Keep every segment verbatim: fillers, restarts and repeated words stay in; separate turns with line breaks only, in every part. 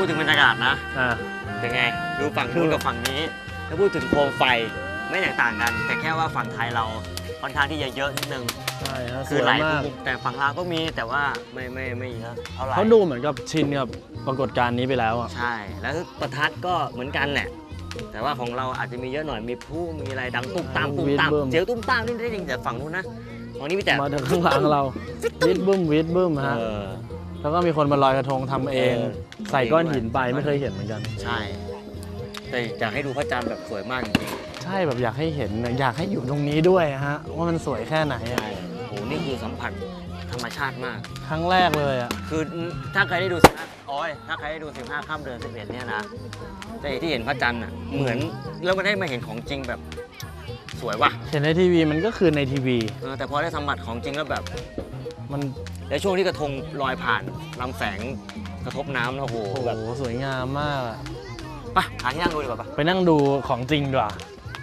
พูดถึงบรรยากาศนะเป็นไงดูฝั่งนู้นกับฝั่งนี้ถ้าพูดถึงโคมไฟไม่แตกต่างกันแต่แค่ว่าฝั่งไทยเราค่อนข้างที่จะเยอะนิดนึง
ใช่
คือหลายมุมแต่ฝั่งลาวก็มีแต่ว่าไม่ไม่ไม่เยอะเท่าไหร่
เขาดูเหมือนกับชินกับปรากฏการณ์นี้ไปแล้วอ่ะ
ใช่แล้วประทัดก็เหมือนกันแหละแต่ว่าของเราอาจจะมีเยอะหน่อยมีผู้มีอะไรดังตุ้มตามตุ้มตามเจียวตุ้มตามนี่ได้จริงแต่ฝั่งนู้นนะฝั่งนี้มีแต่
มาถึงข้างหลังเราวิดบึ้มวิดบึ้มฮะแล้วก็มีคนมาลอยกระทงทำเองใส่ก้อนหินไปไม่เคยเห็นเหมือนกัน
ใช่แต่อยากให้ดูพระจันทร์แบบสวยมากจริง
ใช่แบบอยากให้เห็นอยากให้อยู่ตรงนี้ด้วยฮะว่ามันสวยแค่ไหน
ใช่โหนี่คือสัมผัสธรรมชาติมาก
ครั้งแรกเลยอ่ะ
คือถ้าใครได้ดูสิบห้าโอ้ยถ้าใครได้ดูสิบห้าค่ำเดือนสิบเอ็ดเนี่ยนะแต่ที่เห็นพระจันทร์อ่ะเหมือนแล้วมันได้มาเห็นของจริงแบบสวยว่ะ
เห็นในทีวีมันก็คือในทีวี
แต่พอได้สัมผัสของจริงแล้วแบบ
มัน
แล้วช่วงที่กระทงลอยผ่านลำแสงกระทบน้ำแล้วโหแบบ
สวยงามมาก
ไปหาที่นั่งดูดีกว่าปะ
ไปนั่งดูของจริงดีกว่า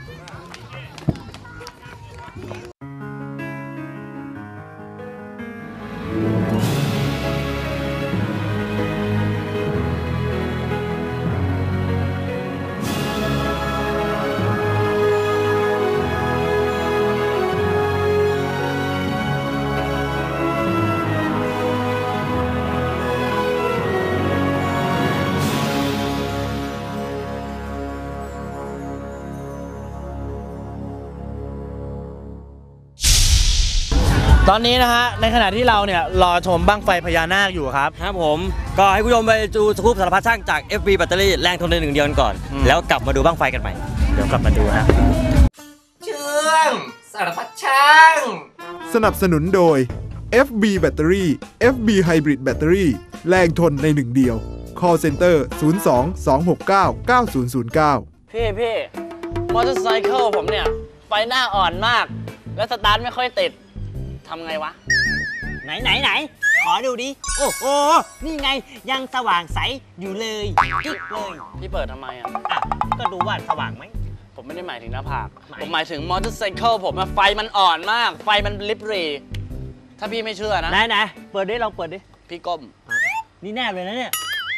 ตอนนี้นะฮะในขณะที่เราเนี่ยรอชมบั้งไฟพญานาคอยู่ครับ
ครับผมก็ให้ผู้ชมไปดูสกู๊ปสารพัดช่างจาก เอฟ บี แบตเตอรี่แรงทนในหนึ่งเดียวก่อนแล้วกลับมาดูบั้งไฟกันใหม่
เดี๋ยวกลับมาดูฮะ
เชื่องสารพัดช่าง
สนับสนุนโดย เอฟ บี แบตเตอรี่ เอฟ บี Hybrid แบตเตอรี่แรงทนในหนึ่งเดียว Call Center ศูนย์ สอง สอง หก เก้า เก้า ศูนย์ ศูนย์ เก้า
พี่พี่มอเตอร์ไซค์ผมเนี่ยไฟหน้าอ่อนมากแล้วสตาร์ทไม่ค่อยติดทำไงวะ
ไหนไหนไหนขอดูดิโอ้โหนี่ไงยังสว่างใสอยู่เลยกิ๊กเลย
พี่เปิดทำไมอ่ะ
อ่ะก็ดูว่าสว่างไหม
ผมไม่ได้หมายถึงหน้าผากผมหมายถึงมอเตอร์ไซค์ผมไฟมันอ่อนมากไฟมันลิบรีถ้าพี่ไม่เชื่อนะ
ไหนไหนเปิดดิลองเปิดดิ
พี่ก้ม
นี่แนบเลยนะเนี่ย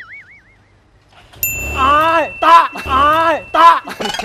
อายตาอายตา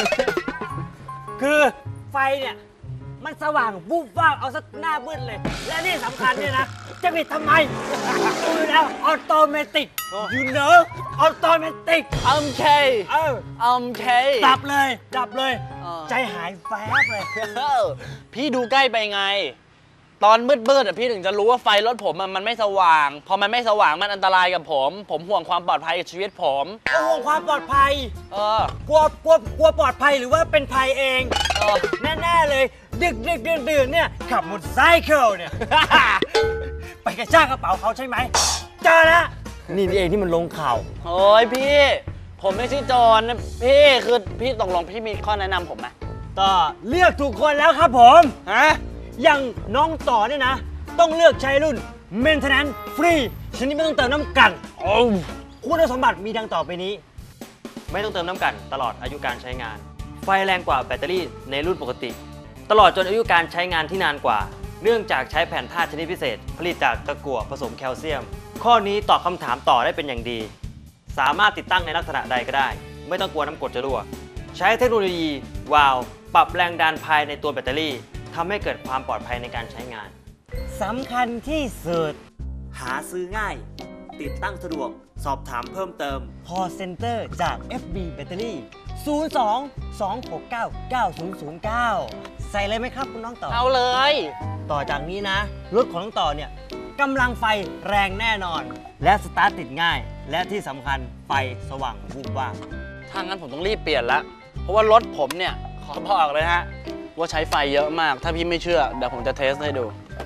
คือไฟเนี่ยมันสว่างวูบวาบเอาซะหน้ามืดเลยและนี่สำคัญเนี่ยนะจะปิดทำไมดูแล้วออโตเมติก you know ออโตเมติก
อัมเค
เออ
อัมเค
ดับเลยดับเลยใจหายแฟบเลย
พี่ดูใกล้ไปไงตอนมืดๆอ่ะพี่ถึงจะรู้ว่าไฟรถผมมันไม่สว่างพอมันไม่สว่างมันอันตรายกับผมผมห่วงความปลอดภัยกับชีวิตผม
ห่วงความปลอดภัย
เออก
ลัวกลัวกลัวปลอดภัยหรือว่าเป็นภัยเองเออแน่ๆเลยดึกดึกดื่นดื่นเนี่ยขับมอเตอร์ไซค์เนี่ยไปกระชากกระเป๋าเขาใช่ไหมเจอแล้วนี่เองที่มันลงข่าว
โอ้ยพี่ผมไม่ใช่โจรนะพี่คือพี่ตกลงพี่มีข้อแนะนำผมไหม
ก็เลือกถูกคนแล้วครับผม
ฮะ
อย่างน้องต่อเนี่ยนะต้องเลือกใช้รุ่น Maintenance Free ชนิดไม่ต้องเติมน้ำกันโอ้คุณสมบัติมีดังต่อไปนี้ไม่ต้องเติมน้ำกันตลอดอายุการใช้งานไฟแรงกว่าแบตเตอรี่ในรุ่นปกติตลอดจนอายุการใช้งานที่นานกว่าเนื่องจากใช้แผ่นธาตุชนิดพิเศษผลิตจากตะกั่วผสมแคลเซียมข้อนี้ตอบคำถามต่อได้เป็นอย่างดีสามารถติดตั้งในลักษณะใดก็ได้ไม่ต้องกลัวน้ำกรดจะรั่วใช้เทคโนโลยีวาล์วปรับแรงดันภายในตัวแบตเตอรี่ทำให้เกิดความปลอดภัยในการใช้งานสำคัญที่สุดหาซื้อง่ายติดตั้งสะดวกสอบถามเพิ่มเติม Call Center จาก เอฟ บี แบตเตอรี่ ศูนย์ สอง สอง หก เก้า เก้า ศูนย์ ศูนย์ เก้า ใส่เลยไหมครับคุณน้องต่อ
เอาเลย
ต่อจากนี้นะรถของน้องต่อเนี่ยกำลังไฟแรงแน่นอนและสตาร์ทติดง่ายและที่สำคัญไฟสว่างวูบวาบ
ถ้างั้นผมต้องรีบเปลี่ยนละเพราะว่ารถผมเนี่ยขอบอกเลยฮะว่าใช้ไฟเยอะมากถ้าพี่ไม่เชื่อเดี๋ยวผมจะเทสให้ดู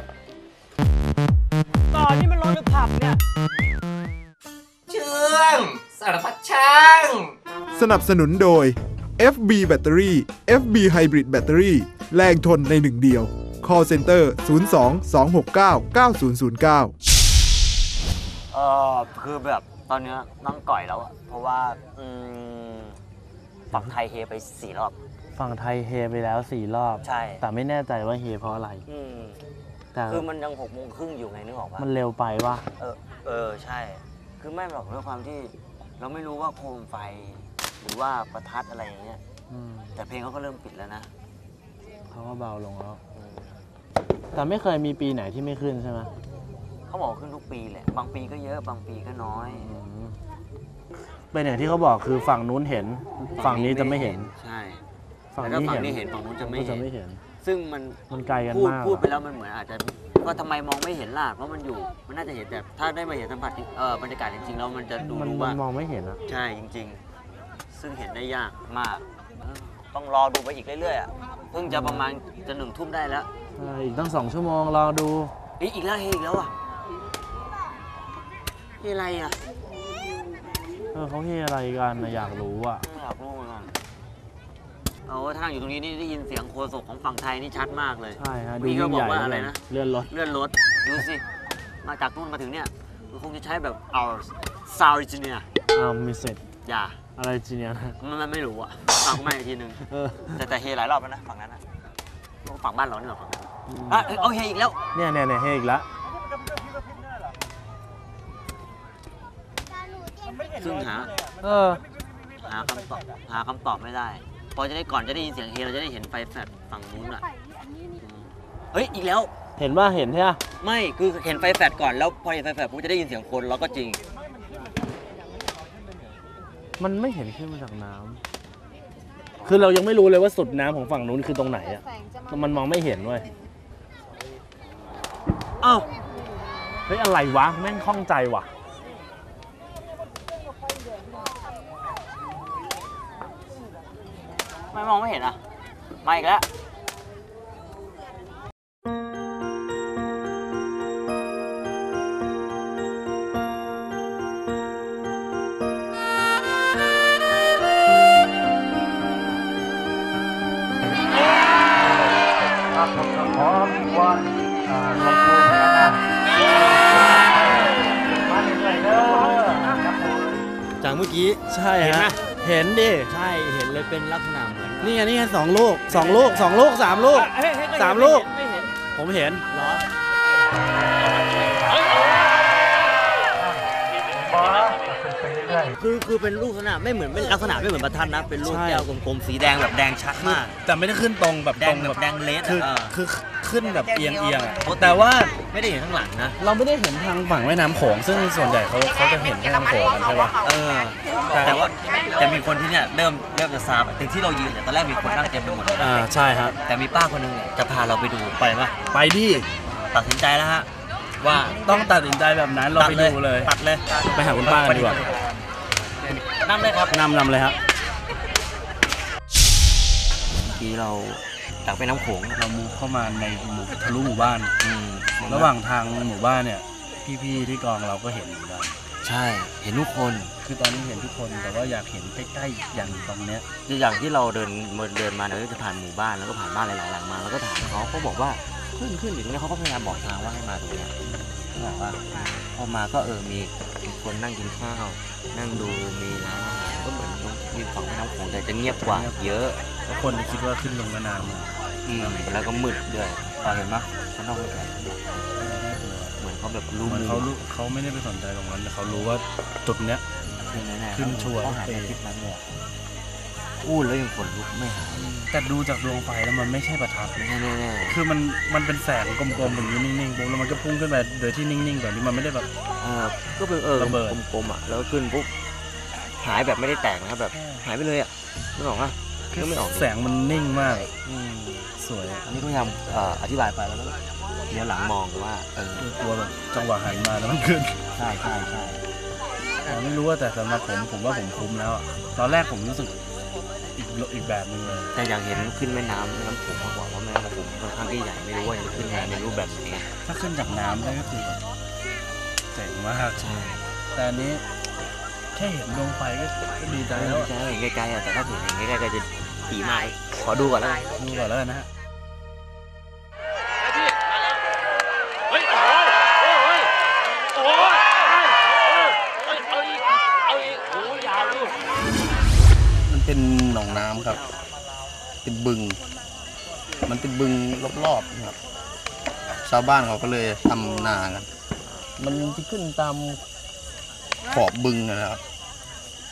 ต่อนี่มันรถหรือผับเนี่ย
เชื่องสารพัดช่าง
สนับสนุนโดย เอฟ บี แบตเตอรี่ เอฟ บี Hybrid แบตเตอรี่แรงทนในหนึ่งเดียว Call Center ศูนย์ สอง สอง หก เก้า เก้า ศูนย์ ศูนย์ เก้า
เออคือแบบตอนนี้นั่งก่อยแล้วอะเพราะว่าฝั่งไทยเฮไปสี่รอบ
ฝั่งไทยเฮไปแล้วสี่รอบ
ใช่
แต่ไม่แน่ใจว่าเฮเพราะอะไร
แต่คือมันยังหกโมงครึ่งอยู่ไงนึกออกปะ
มันเร็วไปวะ
เออเออใช่คือไม่หรอกด้วยความที่
เราไม่รู้ว่าโคมไฟหรือว่าประทัดอะไรอย่างเงี้ยแต่เพลงเขาก็เริ่มปิดแล้วนะ
เขาก็เบาลงแล้วแต่ไม่เคยมีปีไหนที่ไม่ขึ้นใช่ไหม
เขาบอกขึ้นทุกปีแหละบางปีก็เยอะบางปีก็น้อย
เป็นอย่างที่เขาบอกคือฝั่งนู้นเห็นฝั่งนี้จะไม่เห็น
ใช่
ฝั่ง
นี้เห็นฝั่งนู้นจะไม่
เห็น
ซึ่งมัน
มันไกลกันมาก
พูดไปแล้วมันเหมือนอาจจะว่าทำไมมองไม่เห็นล่ะเพราะมันอยู่มันน่าจะเห็นแต่ถ้าได้มาเห็นสัมผัสเออบรรยากาศจริงๆแล้วมันจะดูรู้ว่าม
องไม่เห็นอะ
ใช่จริงๆซึ่งเห็นได้ยากมากต้องรอดูไปอีกเรื่อยๆอ่ะเพิ่งจะประมาณจะหนึ่งทุ่มได้แล้ว
อีกตั้งสองชั่วโมงรอดู
อีกแล้วเฮอีกแล้วอ่ะเฮอะไรอ่ะ
เออเขาเฮอะไรกันนะอยากรู้อ่ะ
อยากรู้เหมือนกันเอาถ้านั่งอยู่ตรงนี้นี่ได้ยินเสียงโคศกของฝั่งไทยนี่ชัดมากเลย
ใช่ฮะดูยิ่งใหญ่อะไรนะเลื่อนรถ
เลื่อนรถดูสิมาจากนู่นมาถึงเนี่ยมันคงจะใช้แบบ our sound engineer
อ้าวมีเสร็จ
อย่า
อะไรจีเนียนะ
มันไม่รู้อ่ะฟังไม่อีกทีนึงแต่แต่เฮหลายรอบแล้วนะฝั่งนั้นนะฝั่งบ้านเราเนี่ยฝั่งนั้นอ่ะเอาเฮอีกแล้ว
เนี่ยเนี่ยเนี่ยเฮอีกแล้ว
ซึ่งหา
เออ
หาคำตอบหาคำตอบไม่ได้พอจะได้ก่อนจะได้ยินเสียงเฮเราจะได้เห็นไฟแฟลชฝั่งนู้นอ่ะเฮ้ยอีกแล้ว
เห็นว่าเห็นใช่ไหม
ไม่คือเห็นไฟแฟลชก่อนแล้วพอเห็นไฟแฟลชผมจะได้ยินเสียงคนแล้วก็จริง
มันไม่เห็นขึ้นมาจากน้ำคือเรายังไม่รู้เลยว่าสุดน้ำของฝั่งนู้นคือตรงไหนอ่ะมันมองไม่เห็นเว้ย
อ้าว
เฮ้ยอะไรวะแม่งข้องใจว่ะ
ไม่มองไม่เห็นอ่ะมาอีกแล้ว
จากเมื่อกี้
ใช่เห็นไหมเห็นดิ
ใช่เห็นเลยเป็นลักษณะเหมือน
นี่ไงนี่ไงสองลูกสองลูกสองลูกสามลูกสามลูกผมเห็น
เหรอคือคือเป็นลูกลักษณะไม่เหมือนเป็นลักษณะไม่เหมือนประทัดนะเป็นลูกแก้วกลมๆสีแดงแบบแดงชัดมาก
แต่ไม่ได้ขึ้นตรงแบบ
แดงแบบแดงเลส
คือคือขึ้นแบบเอียงเอียงแต่ว่า
ไม่ได้เห็นข้างหลังนะ
เราไม่ได้เห็นทางฝั่งแม่น้ำโขงซึ่งส่วนใหญ่เขาเขาจะเห็นแม่น้ำโขงกันใช่ปะ
เออแต่ว่าแต่มีคนที่เนี่ยเริ่มเริ่มจะซาแบบที่เรายืนเนี่ยตอนแรกมีคนนั่งเต็มไปหมดเลย
อ่าใช่ครับ
แต่มีป้าคนนึงเนี่ยจะพาเราไปดูไปปะ
ไปดิ
ตัดสินใจแล้วฮะว่า
ต้องตัดสินใจแบบนั้นเราไปดูเลย
ตัดเลย
ไปหาคุณป้ากันดีกว่า
นำเลยครับ
นำนำเลยครับ
เมื่อกี้เราจากไปน้ำโขง
เรามูเข้ามาในหมู่ทะลุหมู่บ้านระหว่างทางหมู่บ้านเนี่ยพี่ๆที่กองเราก็เห็นเหมือนกัน
ใช่เห็นทุกคน
คือตอนนี้เห็นทุกคนแต่ว่าอยากเห็นใกล้ๆอย่างตรงเนี้ย
อย่างที่เราเดินเดินมาเราจะผ่านหมู่บ้านแล้วก็ผ่านบ้านหลายๆหลังมาแล้วก็ถามเขาเขาบอกว่าขึ้นขึ้นอยู่ตรงนี้เขาก็พยายามบอกทางว่าให้มาตรงนี้เขาบอกว่าพอมาก็เออมีคนนั่งกินข้าวนั่งดูมีร้านอาหารก็เหมือนมีฝั่งแม่น้ำโขงแต่จะเงียบกว่าเยอะ
เพราะคนคิดว่าขึ้นลงแม่น้
ำอืมแล้วก็มืดด้วยเห็นไหมข้างนอกมืดเหมือนเขาแบบรู้มือ
เขาเขาไม่ได้ไปสนใจตรงนั้นแต่เขารู้ว่าจุดเนี้ยขึ้นชัวร์
เขาหายไปคลิปนั้นเลยพูดแล้วยังขนลุกไม่หาย
แต่ดูจากดวงไฟแล้วมันไม่ใช่ประทัด
แน่
ๆคือมันมันเป็นแสงกลมๆแบบนี้นิ่งๆปุ๊บแล้วมันก็พุ่งขึ้นไปโดยที่นิ่งๆแบบนี้มันไม่ได้แบบ
เออก็เป็นเออกลมๆอ่ะแล้วขึ้นปุ๊บหายแบบไม่ได้แตกนะครับแบบหายไปเลยอ่ะไม่ออกอ่ะ
คือไม่ออกแสงมันนิ่งมากสวย
อันนี้ก็พยายามอธิบายไปแล้วก็เดี๋ยวหลังมองว่าเออก
ลัวแบบจังหวะหันมาแล้วมันขึ้น
ใช่ใช่ใช่
ไม่รู้ว่าแต่สำหรับผมผมว่าผมคุ้มแล้วตอนแรกผมรู้สึกอีกอีกแบบนึงเลย
แต่อยากเห็นขึ้นแม่น้ำแม่น้ำโขงมากกว่าว่าแม่น้ำโขงค่อนข้างที่ใหญ่ไม่รู้ว่าจะขึ้นมาในรูปแบบไหน
ถ้าขึ้นจากน้ำได้ก็คือแบบเจ๋งมาก
ใช่
แต่อันนี้แค่เห็นดวงไฟก็ดีใจแล้ว
ใช่เห็นไกลๆแต่ถ้าเห็นใกล้ๆก็จะดีมากขอดูก่อนแล้ว
ดูก่อนแล้วนะฮะเป็นหนองน้ำครับเป็นบึงมันเป็นบึงรอบๆครับชาวบ้านเขาก็เลยทำนากันมันจะขึ้นตามขอบบึงนะครับ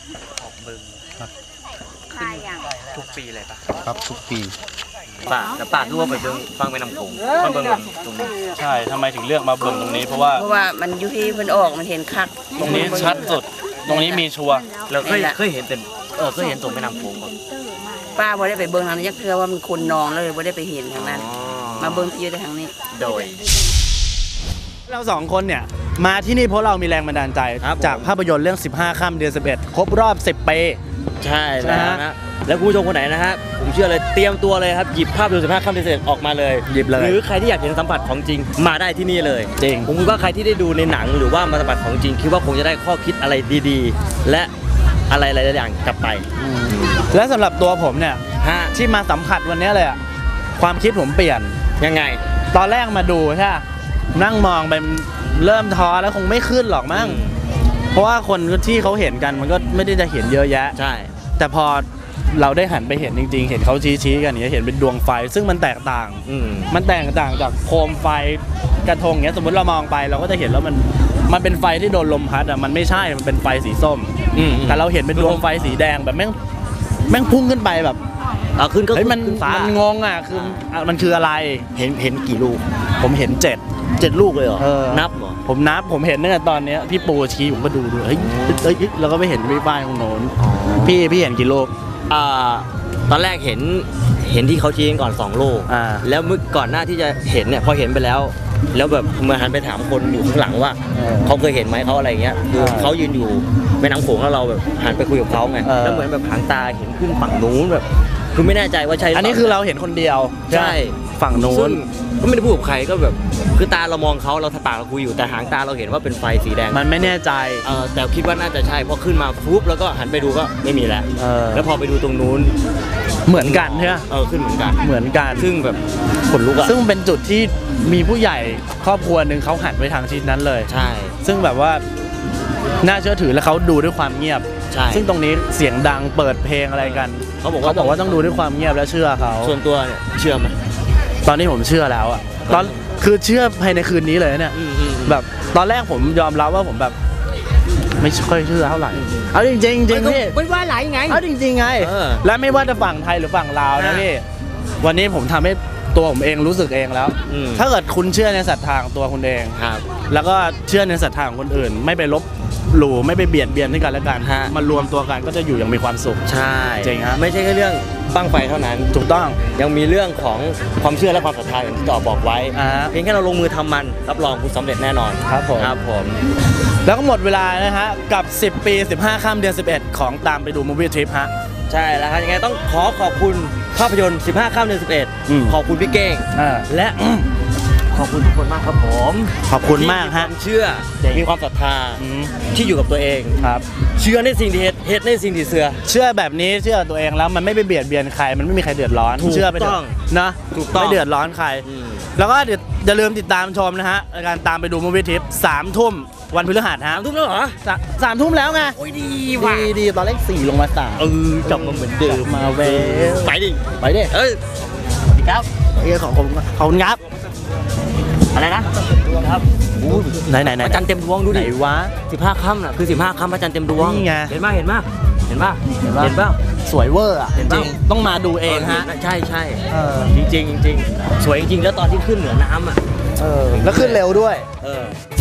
ออกบึง
ใครอย่าง
ทุกปีเลยปะ
ครับทุกปี
ป่าแต่ป่าคือว่าไปเบิ่งฟังแม่น้ำโขงมันเบิ่งตรงนี้
ใช่ทำไมถึงเลือกมาเบิ่งตรงนี้เพราะว่า
เพราะว่ามันอยู่ที่มันออกมันเห็นคัก
ตรงนี้ชัดสุด ตรงนี้มีชัวร์
เราเคยเคยเห็นเต็มเออเคยเห็นตรงแม่น้ำโขงก่อน
ป้าบ่ได้ไปเบิ่งทางนี้ยักเทื่อว่ามันคนนองแล้วเลยบ่ได้ไปเห็นทางนั้น มาเบิ่งที่อยู่แต่ทางนี้
โดย
เราสองคนเนี่ยมาที่นี่เพราะเรามีแรงบันดาลใจ
ครับผม
จากภาพยนตร์เรื่องสิบห้าค่ำเดือนสิบเอ็ดครบรอบสิบปี
ใช่แล้ว
นะฮะ
นะแล้วคุณผู้ชมคนไหนนะฮะผมเชื่อเลยเตรียมตัวเลยครับหยิบภาพดูสิบห้าค่ำเดือนสิบเอ็ดออกมาเลย
หยิบเลย
หรือใครที่อยากเห็นสัมผัสของจริงมาได้ที่นี่เลย
จริง
ผมคิดว่าใครที่ได้ดูในหนังหรือว่ามาสัมผัสของจริงคิดว่าคงจะได้ข้อคิดอะไรดีๆ และอะไรหลายๆอย่างกลับไป
และสำหรับตัวผมเนี่ย
ฮะ
ที่มาสัมผัสวันนี้เลยอะความคิดผมเปลี่ยน
ยังไง
ตอนแรกมาดูใช่ปะนั่งมองไปเริ่มท้อแล้วคงไม่ขึ้นหรอกมั้ง
อืม
เพราะว่าคนที่เขาเห็นกันมันก็ไม่ได้จะเห็นเยอะแยะ
ใช่
แต่พอเราได้หันไปเห็นจริงๆ เห็นเขาชี้ๆกันอย่างเงี้ยเห็นเป็นดวงไฟ ซึ่งมันแตกต่าง
อืม
มันแตกต่างจากโคมไฟกระทงเงี้ยสมมติเรามองไปเราก็จะเห็นแล้วมันมันเป็นไฟที่โดนลมพัดอ่ะมันไม่ใช่มันเป็นไฟสีส้ม
อืม
แต่เราเห็นเป็นดวงไฟสีแดงแบบแม่งแม่งพุ่งขึ้นไปแบบ
เอาขึ้นก็
เฮ้ยมัน
ขึ้ฟ้า
มันงงอ่ะคืออ่ะมันคืออะไร
เห็นเห็นกี่ลูก
ผมเห็นเจ็ด
เจ็ดลูกเลยเหรอ
เออ
นับเหรอ
ผมนับผมเห็นตั้งแต่ตอนเนี้ยพี่ปูชี้ผมก็ดูดูเฮ้ยเอ้ยแล้วก็ไปเห็นพี่ป้ายตรงโน้นพี่พี่เห็นกี่ลูก
อ่าตอนแรกเห็นเห็นที่เขาชี้กันก่อนสองลูก
อ่า
แล้วเมื่อก่อนหน้าที่จะเห็นเนี่ยพอเห็นไปแล้ว แล้วแบบเมื่อหันไปถามคนอยู่ข้างหลังว่า
เออ
เขาเคยเห็นไหมเขาอะไรเงี้ยคือ
เออ
เขายืนอยู่แม่น้ำโขงแล้วเราแบบหันไปคุยกับเขาไง
เออ
แล้วเหมือนแบบหางตาเห็นขึ้นฝั่งนู้นแบบคือไม่แน่ใจว่าใช่หปล่
อันนี้คือเราเห็นคนเดียว
ใช่
ฝั่งนู้
ซึ่
น
งก็ไม่ได้พูดกับใครก็แบบคือตาเรามองเขาเราปากเราคุยอยู่แต่หางตาเราเห็นว่าเป็นไฟสีแดง
มันไม่แน่ใจ
เออแต่คิดว่าน่าจะใช่พอขึ้นมาฟุบแล้วก็หันไปดูก็ไม่มีแล้ว
เออ
แล้วพอไปดูตรงนู้น
เหมือนกันใช่ไหม
เออขึ้นเหมือนกัน
เหมือนกัน
ซึ่งแบบขนลุกอะ
ซึ่งเป็นจุดที่มีผู้ใหญ่ครอบครัวหนึ่งเขาหันไปทางทิศนั้นเลย
ใช่
ซึ่งแบบว่าน่าเชื่อถือและเขาดูด้วยความเงียบ
ใช่
ซึ่งตรงนี้เสียงดังเปิดเพลงอะไรกัน
เขาบอก
เขา
ว่า
บอกว่าต้องดูด้วยความเงียบและเชื่อเขา
ส่วนตัวเนี่ยเชื่อไหม
ตอนนี้ผมเชื่อแล้วอะตอนคือเชื่อภายในคืนนี้เลยเนี่ย
อืมอืมอืม
แบบตอนแรกผมยอมรับว่าผมแบบ ไม่ค่อยเชื่อเท่าไหร่เอาจริงๆจริงจริงพี่
ไม่ว่าหลายไง
เอาจริงๆไง
เออ
และไม่ว่าจะฝั่งไทยหรือฝั่งลาวนะพี่วันนี้ผมทำให้ตัวผมเองรู้สึกเองแล้ว
อืม
ถ้าเกิดคุณเชื่อในศรัทธาของตัวคุณเอง
ครับ
แล้วก็เชื่อในศรัทธาของคนอื่น ไม่ไปลบหลู่ไม่ไปเบียดเบียนให้กันและกัน
ฮะ
มารวมตัวกันก็จะอยู่อย่างมีความสุข
ใช่
จริงฮะ
ไม่ใช่แค่เรื่องบั้งไฟเท่านั้น
ถูกต้อง
ยังมีเรื่องของความเชื่อและความศรัทธาอย่างที่ต่อบอกไว้
อ่าฮะ
เพียงแค่เราลงมือทำมันรับรองคุณสำเร็จแน่นอน
ครับผม
ครับผม
แล้วก็หมดเวลานะฮะกับ สิบ ปี สิบห้า ค่ำเดือน สิบเอ็ด ของตามไปดูมูฟวี่ทริปฮะ
ใช่แล้วครับยังไงต้องขอขอบคุณภาพยนตร์สิบห้าค่ำเดือนสิบเอ็ด
อืม
ขอบคุณพี่เก้ง
อ่า
และขอบคุณทุกคนมากครับผม
ขอบคุณมากฮะ
ที่มีความเชื่อ
จริง
มีความศรัทธา
อืม
ที่อยู่กับตัวเอง
ครับ
เชื่อในสิ่งที่เฮ็ดเฮ็ดในสิ่งที่เสือ
เชื่อแบบนี้เชื่อตัวเองแล้วมันไม่ไปเบียดเบียนใครมันไม่มีใครเดือดร้อน
ถูก
เชื่อไปเถ
ต้
อะ
อง
นะ
ถูกต้อง
ไม่เดือดร้อนใคร
อืม
แล้วก็เดี๋ยวอย่าลืมติดตามชมนะฮะรายการตามไปดูมูฟวี่ทริปสามทุ่มวันพฤหัสฮะ
สามทุ่มแล้วเหรอ
สาสามทุ่มแล้วไง
โอ้ยดี
ดีดีตอนแรกสี่ลงมาสาม
เออกลับมาเหมือนเดิม
มาเวล
ไปดิ
ไปดิ
เอ้ย
สวัสดีครับเอ้ยขอบคุณขอบคุณครับ
อะไรนะครับโอ้ย
ไหนไหนไหน
พระจันทร์เต็มดวงดู
ไหน
ดิ
วะ
สิบห้าค่ำน่ะคือสิบห้าค่ำพระจันทร์เต็มดวง
นี่ไง
เห็นป่ะเห็นป่ะเห็นป่ะ
เห็นปะ
เห็นป่ะ
สวยเวอร์อ่ะ
เห็น
จ
ปะ
ริงๆต้องมาดูเองฮะ
ใช่ใช่
เออ
จริงๆจริงๆสวยจริงๆแล้วตอนที่ขึ้นเหนือน้ำอ่ะ
เออแล้วขึ้นเร็วด้วย
เออ